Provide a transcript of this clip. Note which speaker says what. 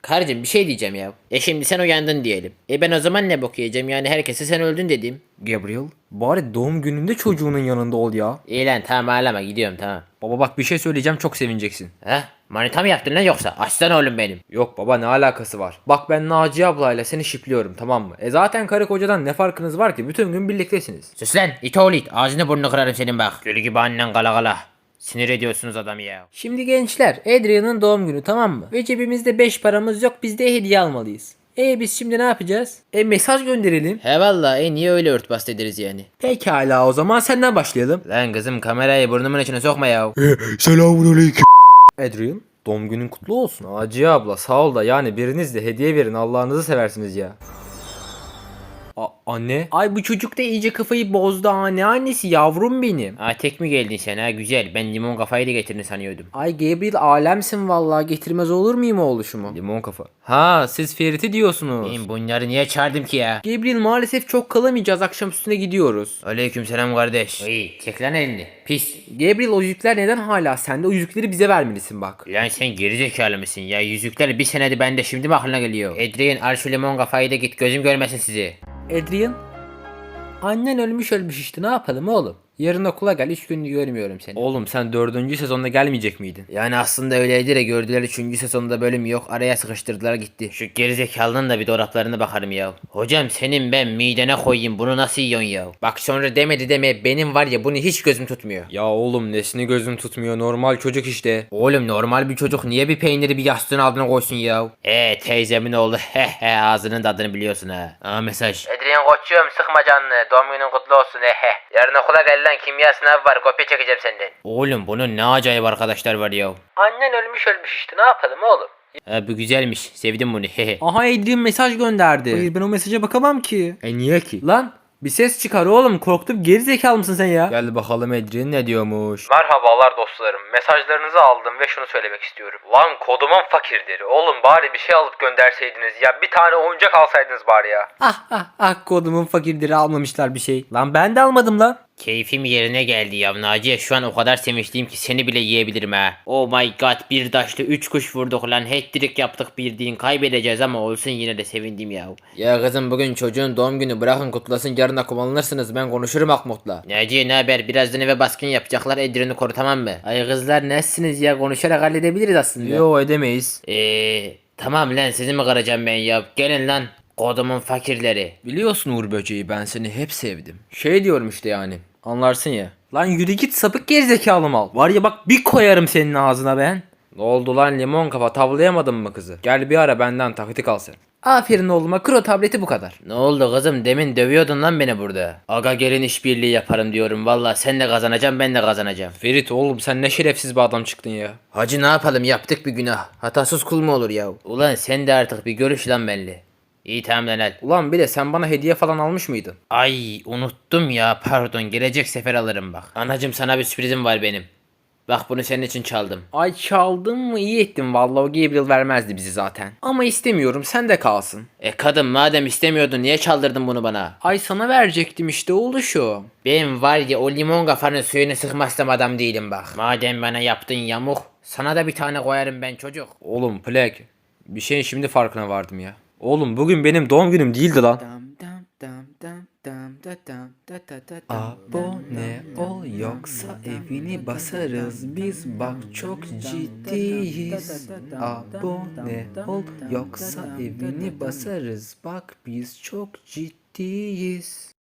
Speaker 1: Karıcığım bir şey diyeceğim ya. Şimdi sen uyandın diyelim. Ben o zaman ne bok yiyeceğim yani herkese sen öldün dedim.
Speaker 2: Gabriel, bari doğum gününde çocuğunun yanında ol ya.
Speaker 1: İyi lan tamam ağlama gidiyorum tamam.
Speaker 2: Baba bak bir şey söyleyeceğim, çok sevineceksin.
Speaker 1: Heh manita mı yaptın lan yoksa? Aslan oğlum benim.
Speaker 2: Yok baba, ne alakası var? Bak ben Naciye ablayla seni şipliyorum, tamam mı? Zaten karı kocadan ne farkınız var ki? Bütün gün birliktesiniz.
Speaker 1: Sus lan it oğlu it. Ağzını burnunu kırarım senin bak. Gül gibi annen kala kala. Sinir ediyorsunuz adamı ya.
Speaker 2: Şimdi gençler, Adrian'ın doğum günü, tamam mı? Ve cebimizde 5 paramız yok, biz de hediye almalıyız. Biz şimdi ne yapacağız? Mesaj gönderelim.
Speaker 1: He valla niye öyle örtbas ederiz yani?
Speaker 2: Pekala, o zaman senden başlayalım.
Speaker 1: Lan kızım kamerayı burnumun içine sokma ya.
Speaker 3: Selamünaleyküm.
Speaker 2: Adrian, doğum günün kutlu olsun. Naciye abla sağ ol da yani biriniz de hediye verin, Allah'ınızı seversiniz ya. Anne. Ay bu çocuk da iyice kafayı bozdu ha. Ne annesi yavrum benim.
Speaker 1: Ha tek mi geldin sen ha güzel. Ben limon kafayı da getirdin sanıyordum.
Speaker 2: Ay Gabriel alemsin vallahi, getirmez olur muyum oğluşumu? Limon kafa. Ha siz Ferit'i diyorsunuz.
Speaker 1: Ben bunları niye çağırdım ki ya?
Speaker 2: Gabriel maalesef çok kalamayacağız, akşam üstüne gidiyoruz.
Speaker 1: Aleykümselam kardeş. İyi çek lan elini. Pis.
Speaker 2: Gabriel o yüzükler neden hala sende? O yüzükleri bize vermelisin bak.
Speaker 1: Lan sen gerizekalı mısın ya? Yüzükler bir senede bende şimdi mi aklına geliyor? Adrian al şu limon kafayı da git gözüm görmesin sizi.
Speaker 2: Adrian. Annen ölmüş işte, ne yapalım oğlum? Yarın okula gel, 3 gündür görmüyorum seni. Oğlum sen 4. sezonda gelmeyecek miydin?
Speaker 1: Yani aslında öyleydi de gördüler 3. sezonda bölüm yok araya sıkıştırdılar gitti. Şu gerizekalının da bir dolaplarına bakarım ya. Hocam senin ben midene koyayım bunu nasıl yiyorsun ya? Bak sonra demedi deme benim var ya bunu hiç gözüm tutmuyor.
Speaker 2: Ya oğlum nesini gözün tutmuyor, normal çocuk işte.
Speaker 1: Oğlum normal bir çocuk niye bir peyniri bir yastığın altına koysun ya? Teyzemin oğlu he ağzının tadını biliyorsun ha. Aa mesaj. Adrian koçum sıkma canını doğum günün kutlu olsun he. Yarın okula gel lan kimya sınavı var kopya çekeceğim senden. Oğlum bunun ne acayip arkadaşlar var ya.
Speaker 2: Annen ölmüş işte, ne yapalım oğlum?
Speaker 1: Bu güzelmiş sevdim bunu hehe.
Speaker 2: Aha Adrian mesaj gönderdi. Hayır ben o mesaja bakamam ki. Niye ki? Lan bir ses çıkar oğlum, korktum, geri zekalı mısın sen ya? Gel bakalım Adrian ne diyormuş. Merhabalar dostlarım, mesajlarınızı aldım ve şunu söylemek istiyorum. Lan kodumun fakirleri, oğlum bari bir şey alıp gönderseydiniz ya, bir tane oyuncak alsaydınız bari ya. Kodumun fakirleri almamışlar bir şey. Lan ben de almadım lan.
Speaker 1: Keyfim yerine geldi ya Naciye şu an o kadar sevinçliyim ki seni bile yiyebilirim ha. Oh my god bir taşlı 3 kuş vurduk lan hat-trick yaptık bildiğin kaybedeceğiz ama olsun yine de sevindim ya. Ya kızım bugün çocuğun doğum günü bırakın kutlasın yarın kullanırsınız ben konuşurum Akmut'la. Naciye ne haber birazdan eve baskın yapacaklar Edrin'i koru tamam mı? Ay kızlar nesiniz ya konuşarak halledebiliriz aslında.
Speaker 2: Yo edemeyiz.
Speaker 1: Tamam lan sizi mi kıracağım ben ya gelin lan. Kodumun fakirleri.
Speaker 2: Biliyorsun Uğur Böceği, ben seni hep sevdim. Şey diyorum işte yani, anlarsın ya. Lan yürü git sapık gerizekalı mal. Var ya bak bir koyarım senin ağzına ben. Ne oldu lan limon kafa, tavlayamadın mı kızı? Gel bir ara benden taktik al sen. Aferin oğluma, kır o tableti, bu kadar.
Speaker 1: Ne oldu kızım demin dövüyordun lan beni burada. Aga gelin işbirliği yaparım diyorum valla sen de kazanacaksın ben de kazanacağım.
Speaker 2: Ferit oğlum sen ne şerefsiz bir adam çıktın ya.
Speaker 1: Hacı ne yapalım yaptık bir günah. Hatasız kul mu olur ya? Ulan sen de artık bir görüş lan belli. İyi tamam lan al.
Speaker 2: Ulan bile sen bana hediye falan almış mıydın?
Speaker 1: Ay unuttum ya pardon gelecek sefer alırım bak. Anacım sana bir sürprizim var benim. Bak bunu senin için çaldım.
Speaker 2: Ay çaldın mı, iyi ettin vallahi, o Gabriel vermezdi bizi zaten. Ama istemiyorum, sen de kalsın.
Speaker 1: Kadın madem istemiyordun niye çaldırdın bunu bana?
Speaker 2: Ay sana verecektim işte oğluşum.
Speaker 1: Ben var ya o limon kafanın suyunu sıkmazsam adam değilim bak. Madem bana yaptın yamuk sana da bir tane koyarım ben çocuk.
Speaker 2: Oğlum Plek, bir şeyin şimdi farkına vardım ya. Oğlum bugün benim doğum günüm değildi lan. Abone ol yoksa evini basarız biz, bak çok ciddiyiz. Abone ol yoksa evini basarız, bak biz çok ciddiyiz.